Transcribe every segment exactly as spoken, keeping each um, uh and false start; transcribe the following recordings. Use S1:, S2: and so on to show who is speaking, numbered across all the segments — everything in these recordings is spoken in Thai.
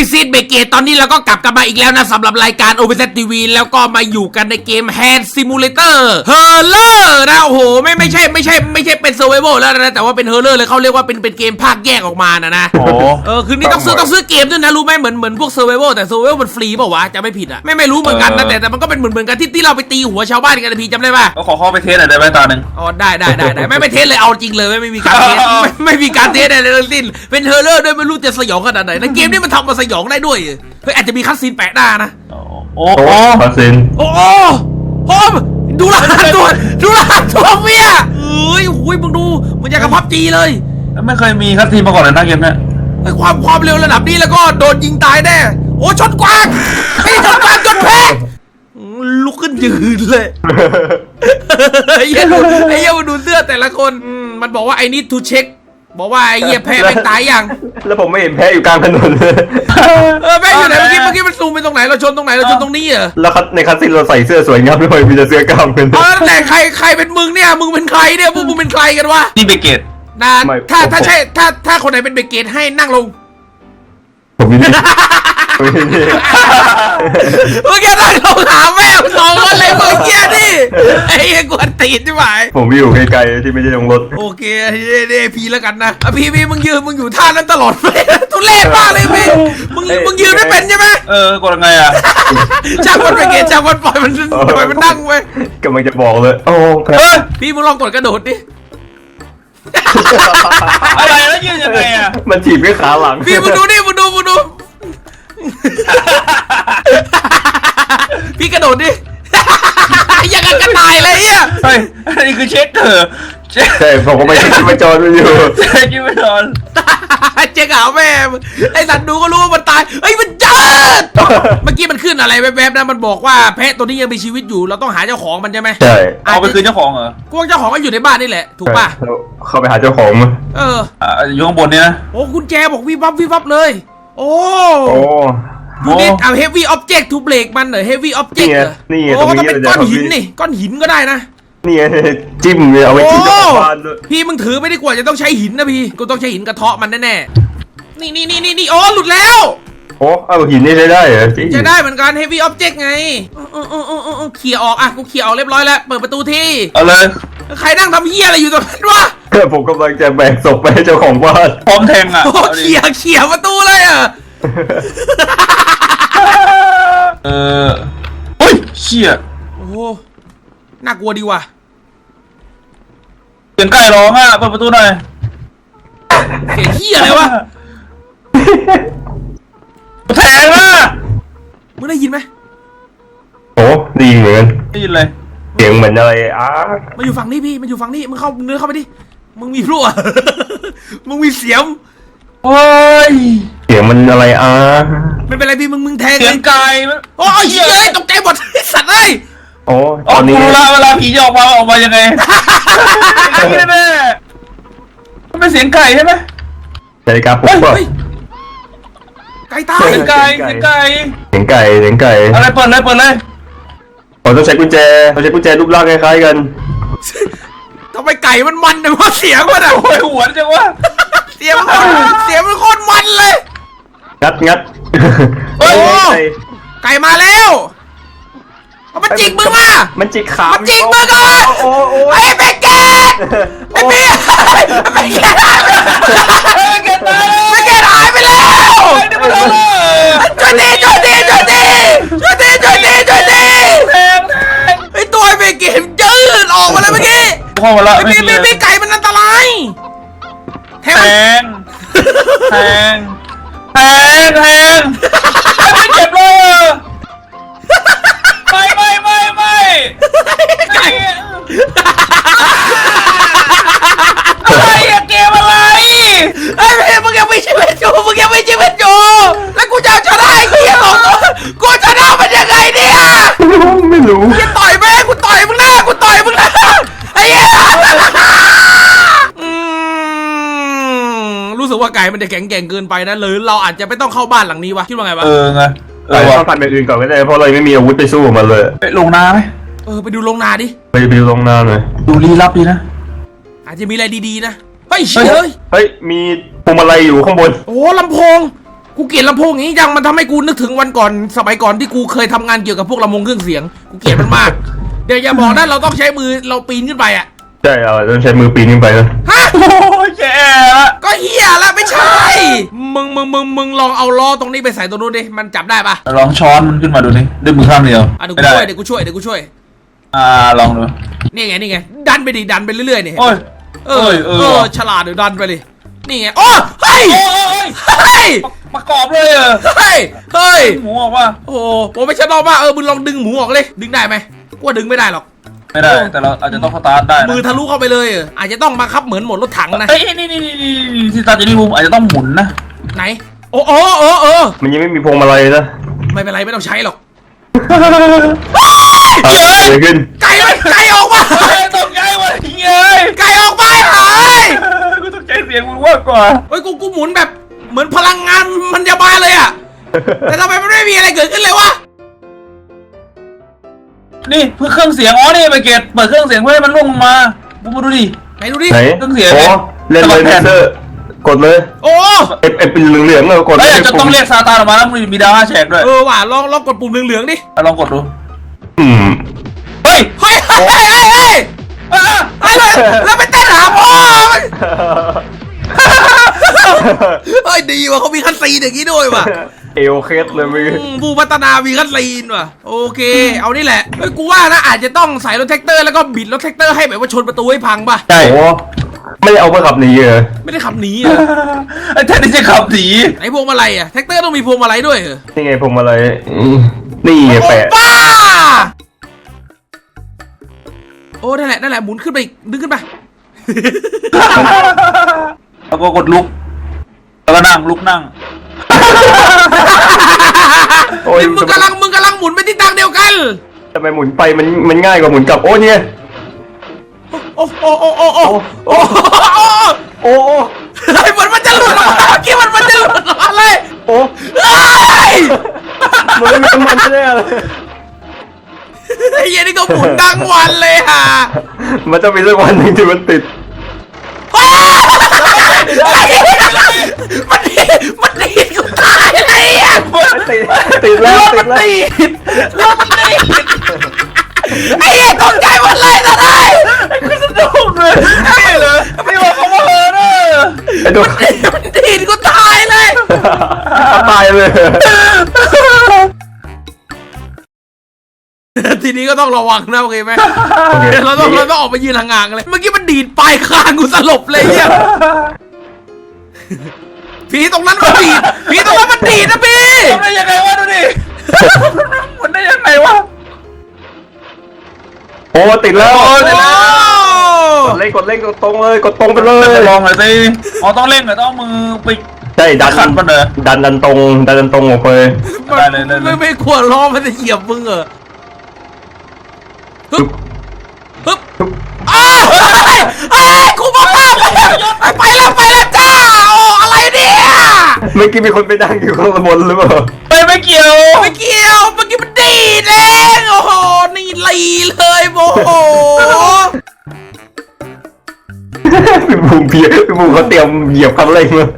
S1: ซีดเบเกตตอนนี้เราก็กลับกันมาอีกแล้วนะสำหรับรายการ โอ พี ซี ที วี แล้วก็มาอยู่กันในเกม Hand Simulator Horror นะโอ้โหไม่ไม่ใช่ไม่ใช่ไม่ใช่เป็น Survival แล้วนะแต่ว่าเป็น Horror เลยเขาเรียกว่าเป็นเป็นเกมภาคแยกออกมานะนะโอ้เออคือนี่ต้องซื้อต้องซื้อเกมด้วยนะรู้ไหมเหมือนเหมือนพวก Survival แต่ Survival มันฟรีเปล่าวะจะไม่ผิดอ่ะไม่ไม่รู้เหมือนกันนะแต่แต่มันก็เป็นเหมือนเหมือนกันที่ที่เราไปตีหัวชาวบ้านกันนะพี่จำได้ป่ะ
S2: ก็ขอเข้าไปเทสหน่อยได้ไหมตาหนึ่ง
S1: อ๋อได้ได้ได้ได้ไม่ไม่เทสเลยเอาจริงเลยไม่ไม่มีการเทสไม่ไม่มีการเทสอะไรทั้งสิ้นเป็นเฮอร์เรอร์ด้วยไม่รู้จะสยองขนาดไหนในเกมนี้มันทำมาสยองได้ด้วยเฮ้ยอาจจะมีคัสซีนแปะหน้านะ
S2: โอ้โหคัสซีน
S1: โอ้โหโอ้ดูรหัสตัวดูรหัสตัวเมียเอ้ยโอ้ยมึงดูมันอยากกับพับจีเลย
S2: ไม่เคยมีคัสซีนมาก่อนเลยนะเกมนี้
S1: ไอ้ความความเร็วระดับนี้แล้วก็โดนยิงตายแน่โอ้ชนกวางไอ้ชนกวางจนแพ้ลุกขึ้นยืนเลยไอ้เหี้ยไอ้เหี้ยมาดูเสื้อแต่ละคนมันบอกว่าไอ้นี่ทูเช็คบอกว่าไอ้เหี้ยแพ้ไม่ตายยัง
S3: แล้วผมไม่เห็นแพ้อยู่กลางถนนเลย
S1: เออแพ้อยู่ไหนเมื่อกี้เมื่อกี้มันซูมไปตรงไหนเราชนตรงไหนเราชนตรงนี้เหรอ
S3: แล้วในคัสซีนเราใส่เสื้อสวยงามด้วยมีแต่เสื้อกล้ามเป็น
S1: เออแต่ใครใครเป็นมึงเนี่ยมึงเป็นใครเนี่ยพวกมึงเป็นใครกันวะ
S2: นี่เบเกต
S1: นะถ้าถ้าใช่ถ้าถ้าคนไหนเป็นเบเกตให้นั่งลง
S3: ผมมีนี่
S1: เมื่อกี้นั่งลงหาแม่สองคนเลยเมื่อกี้นี่ไอ้กวนตีนใช่ไหม
S3: ผมอยู่ไกลๆที่ไม่ใช่ตรงรถ
S1: โอเคเด้พีแล้วกันนะพี่พี่มึงยืนมึงอยู่ท่านั้นตลอดเลยทุเรศมากเลยพี่มึงมึงยืนไม่เป็นใช่ไหม
S2: เออกดยังไงอ่ะ
S1: จ้างมันไปเกตจ้างมันปล่อยมันปล่อยมันนั่งไป
S3: กำลังจะบอกเลยโอ้
S1: พี่มึงลองกดกระโดดดิ
S2: อะไรแล้วยืนยังไงอ่ะ
S3: มันถีบด้วยขาหลัง
S1: พี่มึงดูนี่มึงดูมึงดูพี่กระโดดดิยังกันกระต่ายเลยอ่ะ
S2: เฮ้ยอันนี้คือเช็คเถอะ
S3: ใช่ผมก็ไม่เช็คที่มาจอดมันอยู่
S2: เช็คที่มาจอด
S1: เจ๊กาวแม่ไอ้สัตว์ดูก็รู้ว่ามันตายเฮ้ยมันจัดเมื่อกี้มันขึ้นอะไรแวบๆนะมันบอกว่าแพะตัวนี้ยังมีชีวิตอยู่เราต้องหาเจ้าของมันใช่ไหม
S3: ใช่
S2: เอาไปคืนเจ้าของเหรอก
S1: วงเจ้าของก็อยู่ในบ้านนี่แหละถูกป่ะ
S3: เข้าไปหาเจ้าของมั้ย
S1: เออ
S2: อยู่ข้างบนนี่นะ
S1: โอ้คุณแจบอกวิบวับวิบวับเลยโอ้
S3: โอ้
S1: ยูนิตเอา heavy object to break มันเหรอ heavy object เหรอ
S3: นี่
S1: โอ้ก็ต้องเป็นก้อนหินนี่ก้อนหินก็ได้นะ
S3: นี่จิ้มเอาไว้จิ้มกับบ้านด้วย
S1: พี่มึงถือไม่ได้กว่าจะต้องใช้หินนะพี่กูต้องใช้หินกระเทาะมันแน่ๆนี่นี่นี่นี่นี่โอ้หลุดแล้ว
S3: โอ้เอาหินนี่ใช้ได้เหรอ
S1: ใช้ได้เหมือนกัน heavy object ไงเออเออเออเออเขี่ยออกอ่ะกูเขี่ยออกเรียบร้อยแล้วเปิดประตูที่
S2: เอาเลย
S1: ใครนั่งทำเหี้ยอะไรอยู่ตรงนั้นวะ
S3: ผมกำลังจะแบกศพไปให้เจ้าของบ้าน
S2: พร้อมแทงอ่ะ
S1: เขี่ยเขี่ยประตูเลยอ่ะ
S2: เออโอ้ยเชี่ย
S1: โอ้น่ากลัวดีว่ะ
S2: เสียงไก่ร้องอ่ะเปิดประตูหน่อย
S1: เสียงเหี้ยอะไรวะ
S2: แทงอ่ะ
S1: มึงได้ยินไหม
S3: โอ้ดีเหมือนกัน
S2: ได้ยินเลย
S3: เสียงเหมือนอะไรอ่ะ
S1: มาอยู่ฝั่งนี้พี่มาอยู่ฝั่งนี้มึงเข้าเนื้อเข้าไปดิมึงมีพลั่วมึงมีเสียง
S2: โอ้ย
S3: เสียงมันอะไรอ่ะ
S1: ไม่เป็นไรพี่มึงมึงแทง
S2: เสียงไก่
S1: โอ้ยเฮ้ยตกใจหมดสัตว์เลย
S3: โอ้ตอนนี้
S2: เวลาเวลาผีจะออกมาออกมายังไงนี่แม่มันเป็นเสียงไก่ใช่ไหม
S3: ใช่ครับผมว่า
S1: ไก่ตาย
S2: เสียงไก่เสียงไก่
S3: เสียงไก่เสียงไก่
S2: อะไรเปิดเลยเปิดเลย
S3: ผมต้องใช้กุญแจต้องใช้กุญแจรูปร่างคล้ายๆกัน
S1: ทำไมไก่มันมันแต่ว่าเสียงมันอะ
S2: โอ้ยหัวจังวะ
S1: เสียงมันเสียงมันโคตรมันเลย
S3: งัดงัด
S1: โอ้ไก่มาแล้วมันจิกมึงอ่ะ
S3: มันจิกขา
S1: มันจิกมึงอ่ะไอ้เบเกตไอ้เบเกตไอ้เบเกตหายไปเบเกตหายไปแล้วช่วยดีช่วยดีช่วยดีช่วยดีช่วยดีช่วยดีไอ้ตัวไอ้เบเกตยืดออกมาเลยเมื่อกี้
S2: พ่อมาแล้ว
S1: ไอ้เบเบไก่มันอันตราย
S2: แทงแทงแทงแทงไม่เจ็บเลยไม่ไม่ไม่ไม่ไก่อะไรอะเกมอะไร
S1: ไอ้เบมึงยังไม่ชีวิตอยู่มึงยังไม่ชีวิตอยู่แล้วกูจะชนะไอ้เหี้ยของกูชนะมันยังไงเนี่ย
S3: ไม่รู้
S1: กูต่อยแม่กูต่อยมึงนะกูต่อยมึงนะไอ้เหี้ยรู้สึกว่าไก่มันจะแข็งแกร่งเกินไปนะหรือเราอาจจะไม่ต้องเข้าบ้านหลังนี้วะคิดว่าไงวะ
S2: เออไง
S3: เออว่าพันไปอื่นก่อนไม่ได้เพราะเราไม่มีอาวุธไปสู้มันเลย
S2: ไปลงนาไหม
S1: เออไปดูลงนาดิ
S3: ไปไปดูลงนาหน่อย
S2: ดูลี้ลับดีนะ
S1: อาจจะมีอะไรดีๆนะเฮ้ยเฮ้ย
S3: เฮ้ยมีพวงมาลัยอยู่ข้างบน
S1: โอ้ลำโพงกูเกลียดลำโพงอย่างนี้จังมันทำให้กูนึกถึงวันก่อนสมัยก่อนที่กูเคยทำงานเกี่ยวกับพวกลำโพงเครื่องเสียงกูเกลียดมันมาก เดี๋ยวอย่าบอกนะเราต้องใช้มือเราปีนขึ้นไปอ่ะ
S3: ใช่เอาต้องใช้มือปีนขึ้นไปนะ
S1: ฮะ
S2: โอ้ยแย่ละ
S1: ก็เฮียละไม่ใช่ มึงมึงมึงมึงลองเอาล้อตรงนี้ไปใส่ตรงนู้นดิมันจับได้ปะ
S2: ลองช้อนมันขึ้นมาดูนี่ด้วยมือข้างเดียว
S1: อ่ะเดี๋ยว
S2: ไม่
S1: กู
S2: ได้
S1: ช่วยเดี๋ยวกูช่วยเดี๋ยวกูช่วย
S2: อ่าลองดู
S1: นี่ไงนี่ไงดันไปดิดันไปเรื่อยๆเนี่ย
S2: โอ้ย
S1: เออ
S2: เอ้ยเออ
S1: เออฉลาดเดี๋ยวดันไปเลยนี่ไงโอ้เฮ้ย
S2: โอ้ย
S1: เฮ้ย
S2: ประกอบเลยเหรอ
S1: เฮ้ยเฮ้ย
S2: หมูออกว่า
S1: โอ้โหผมไม่ใช่รอบว่าเออมึงลองดึงหมูออกเลยดึงได้ไหมกูว่าดึงไม่ได้หรอก
S2: ไม่ได้แต่เราอาจจะต้องสตาร์ทได้นะ
S1: มือทะลุเข้าไปเลยเอออาจจะต้องบังคับเหมือนหมดรถถังนะ
S2: เอ้ยนี่นี่นี่นี่ที่สตาร์ทอยู่นี่บูมอาจจะต้องหมุนนะ
S1: ไหนโอ้โอ้เออเออ
S3: มันยังไม่มีพวงมาลัยนะ
S1: ไม่เป็นไรไม่ต้องใช้หรอก
S3: เกิดอะไรขึ้น
S1: ไก่มันไก่ออกมา
S2: เฮ้ยตกใจว่ะเฮ้ย
S1: ไก่ออกมาหาย
S2: กูตกใจเสียงมึงมากกว่า
S1: เฮ้ยกูกูหมุนแบบเหมือนพลังงานมันจะมาเลยอะแต่ทำไมมันไม่มีอะไรเกิดขึ้นเลยวะ
S2: นี่เพื่อเครื่องเสียงอ๋อนี่ไปเกตเปิดเครื่องเสียงเพื่อให้มันล่วงลงมาบูมมาดูดิ
S1: ไหนดูดิ
S3: ไหน
S2: ต้องเสีย
S3: โอ้
S2: ไหม
S3: เล่นเลย
S2: สมัครแผ่น
S3: เซอร์กดเลย
S1: โอ้
S3: ไอ้ไอ้เป็นเหลืองๆเลยกด
S2: เฮ้ย
S3: เลย
S2: จะต้องเรียกซาตานออกมาแล้วมึงมีดาวห้าแฉกด้วย
S1: เออว่ะลองลองกดปุ่มเหลืองๆดิ
S2: ลองกดดู
S3: อืม
S2: เฮ้ย
S1: เฮ้ยเฮ้ยเฮ้ยเฮ้ย
S2: อ่ะ
S1: เฮ้ยเลยแล้วไปเต้นหาพ่อมันเฮ้ยดีว่ะเขามีคัตซีนอย่างนี้ด้วยว่ะ
S3: เอวเคสเลยมึง
S1: อืมผู้พัฒนามีคัตซีนว่ะโอเคเอานี่แหละเฮ้ยกูว่านะอาจจะต้องใส่รถแท็กเตอร์แล้วก็บิดรถแท็กเตอร์ให้แบบว่าชนประตูให้พังป่ะ
S3: ใช่โอ้ไม่ได้เอามาขับหนีเหรอ
S1: ไม่ได้ขับหนีเหรอ
S2: ไอ้แทนที่จะขับหนี
S1: ไหนพวงมาลัยอะแท็กเตอร์ต้องมีพวงมาลัยด้วยเหรอ
S3: นี่ไงพวงมาลัยอืมนี่ไงแปะ
S1: บ้าโอ้นั่นแหละนั่นแหละหมุนขึ้นไปอีกดึงขึ้นไป
S2: แล้วก็กดลุกแล้วก็นั่งลุกนั่ง
S3: โอ้ย
S1: นี่มึงกำลังมึงกำลังหมุนไปทิศทางเดียวกัน
S3: ทำไมหมุนไปมันมันง่ายกว่าหมุนกลับโอ้เนี่ย
S1: โอ้โอ้โอ้โอ้โอ้โอ้
S3: โอ้
S1: เฮ้ยเหมือนมันจะหลุดออกมาเมื่อกี้มันมันจะหลุดออกมาเลย
S3: โอ้
S1: เฮ้ย
S3: มันไม่เป็นมันแน่เลย
S1: ไอ้เหี้ยนี่ก็หมุนทั้งวันเลยฮะ
S3: มันจะมีสักวันหนึ่งที่มันติด
S1: เฮ้ยมันดีมันดีกูตายเลยอ่ะ
S3: ติดติดแล้วติดแล้ว
S1: ไอ้เหี้ยตกใจหมดเลยตอนนี้
S2: คือสนุกเลยนี่เลยไม่บอกเขาว่าเออเนอะ
S3: ไอ้ตัว
S1: มันดีดกูตายเลย
S3: ตายเลย
S1: ทีนี้ก็ต้องระวังนะโอเคไหม
S3: โอเค
S1: เราต้องเราต้องออกไปยืนห่างๆเลย เมื่อกี้มันดีดปลายคางกูสลบเลยเนี่ยผีตรงนั้นมันดีดผีตรงนั้นมันดีดนะพี่
S2: ทำได้ยังไงวะดูดิหมุนได้ยังไงวะ
S3: โอ้ติดแล้ว
S2: โอ้ติดแล้ว
S3: กดเล่งกดเล่งกดตรงเลยกดตรงไปเลย
S2: ลองหน่อยสิอ๋อต้องเร่งเหรอต้องมือไป
S3: ใช่ดัน
S2: ขัดมันเหรอ
S3: ดันดันตรงดันดันตรงออกไป
S2: ได้เลยได้เลย
S1: ไม่ไม่กลัวล้อมันจะเหยียบมึงเหรอฮึบฮึบอ้าวเฮ้ยเฮ้ยกูบอกว่าไปแล้วไปแล้วจ้าโอ้อะไรเนี่ย
S3: เมื่อกี้มีคนไปดังอยู่ข้างบนหรือเปล่า
S2: ไม่ไม่เกี่ยว
S1: ไม่เกี่ยวเมื่อกี้มันดีดเองโอ้โหนี่ลีเลยโมโห
S3: พี่บูมเพียพี่บูมเขาเตรียมเหยียบคันเร่งมาก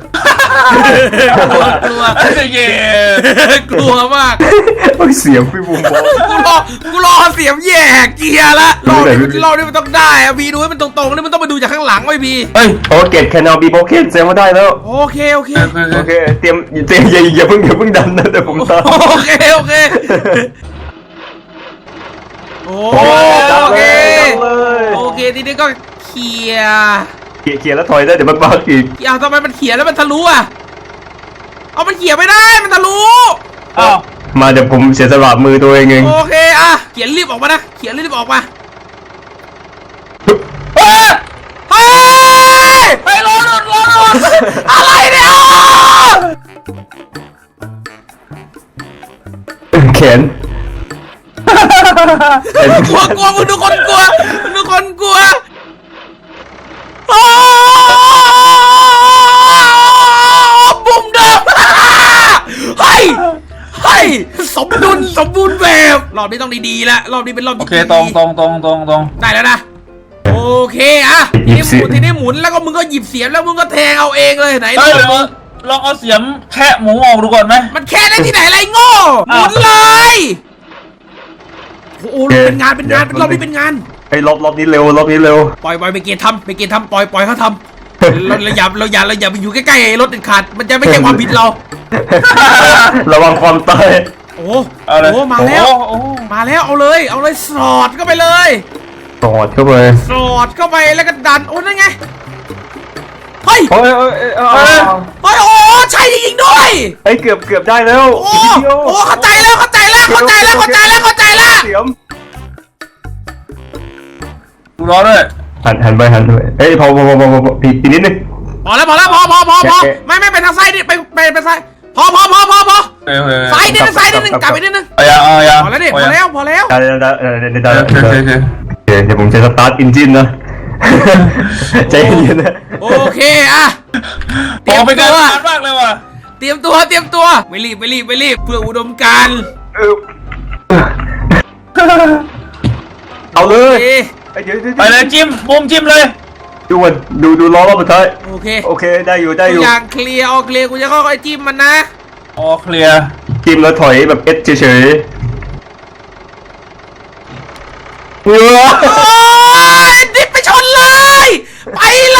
S1: ลัว
S2: เย่
S1: กลัวมาก
S3: ต้องเสียงพี่บูมบอก
S1: กูรอกูรอเสียงแย่เกียร์ละรอบนี้มันรอบนี้มันต้องได้อะพี่ดูให้มันตรงๆนี่มันต้องไปดูจากข้างหลังไว้พี่
S2: เฮ้ย
S3: โอเคแคนเอาบีโบเคนแซงมาได้แล้ว
S1: โอเคโอเค
S3: โอเคเตรียมเตรียมอย่าอย่าเพิ่งอย่าเพิ่งดันนะเดี๋ยวผมตาม
S1: โอเคโอเคโอ
S3: โอ้ดัน
S1: เค
S3: เลยดันเลย
S1: โอเคทีนี้ก็เคลียร์
S3: เขี่ยเขี่ยแล้วถอยได้เดี๋ยวมันบักอีก
S1: อ้าวทำไมมันเขียนแล้วมันทะลุอ่ะเอามันเขียนไม่ได้มันทะลุ
S2: อ้าว
S3: มาเดี๋ยวผมเสียสละมือตัวเองเอง
S1: โอเคอ่ะเขียนรีบออกมานะเขียนรีบออกมา
S2: เฮ้ย
S1: เฮ้ย
S2: ไปรอหลุดรอหลุด
S1: อะไรเนี่ย
S3: แขนแขน
S1: กลัวกลัวมึงดูคนกลัวมึงดูคนกลัวโอ้บุ้มเดิมเฮ้ยเฮ้ยสมดุลสมบูรณ์แบบรอบนี้ต้องดีๆแล้วรอบนี้เป็นรอบ
S2: โอ
S1: ที่
S2: เคตรงตรงตรงตรงตรง
S1: ได้แล้วนะโอเคอ่ะทีนี้หมุนทีนี้หมุนแล้วก็มึงก็หยิบเสียมแล้วมึงก็แทงเอาเองเลยไหน
S2: เฮ้ย
S1: ล
S2: เหลื
S1: อง
S2: อลองเอาเสียมแคะหมูออกดูก่อนไหม
S1: มันแค่ได้ที่ไหนไรโง่หมุนเลยโอ้โหเป็นงานเป็นงานเป็นรอบนี้เป็นงาน
S3: ไอ้รอบรอบนี้เร็วรอบนี้เร็ว
S1: ปล่อยปล่อยไปเกียร์ทำไปเกียร์ทำปล่อยปล่อยเขาทำเราเราอย่าเราอย่าเราอย่าไปอยู่ใกล้ๆรถเด็ดขาดมันจะไม่ใช่ความผิดเรา
S3: ระวังความตาย
S1: โอ้
S2: เอาเลย
S1: โหมาแล้ว
S2: โอ้โอ้
S1: มาแล้วเอาเลยเอาเลยสอดเข้าไปเลย
S3: สอดเข้าไป
S1: สอดเข้าไปแล้วก็ดันโอ้นั่นไงเฮ้ย
S3: โอ้ยโอ้ยโอ้ย
S1: เฮ้ยโอ้ใช่จริงๆด้วย
S3: เฮ้ยเกือบเกือบได้แล้ว
S1: โอ้โอ้เข้าใจแล้วเข้าใจแล้วเข้าใจแล้วเข้าใจแล้วเข้าใจแล้ว
S3: เสียม
S2: ดูร้อนด้วย
S3: หันหันไปหันไปเอ้ยพอพอพอพอพอพี่อีกนิดนึง
S1: พอแล้วพอแล้วพอพอพอพอ
S3: แกะ
S1: ไม่ไม่ไปทางซ้ายดิไปไปไปซ้ายพอพอพอพอพอ
S2: เฮ้ยเฮ้ย
S1: ซ้ายนิดนึงซ้ายนิดนึงกลับไปนิดนึง
S2: เอายังเอายัง
S1: พอแล้วดิพอแล้วพอแล้ว
S3: ได้ได้ได้ได้ได้
S2: โอเค
S3: ได้
S2: โอเคโอเค
S3: โอเคเดี๋ยวผมจะสตาร์ทอินจินนะ ใจเย็นๆนะ
S1: โอเคอะเต
S2: โอ้
S1: รียม
S2: เป็น
S1: ตั
S2: การ
S1: ว
S2: นานมากเลยว่ะ
S1: เตรียมตัวเตรียมตัวไม่รีบไม่รีบไม่รีบเพื่ออุดมการณ์
S3: เออเอาเล
S1: โอย เค
S3: เดี๋ยวเดี๋ยว
S2: ไปเลยจิ้มมุมจิ้มเลย
S3: ดูมันดูดูล้อรอบสุดท้าย
S1: โอเค
S3: โอเคได้อยู่ได้อ
S1: ทุก
S3: ยู่
S1: อย่างเคลียร์ออกเคลียร์กูจะค่อยๆจิ้มมันนะ
S2: อ๋อเคลียร์
S3: จิ้มแล้วถอยแบบเอสเฉยๆเออ
S1: โอ้ยดิบไปชนเลยไป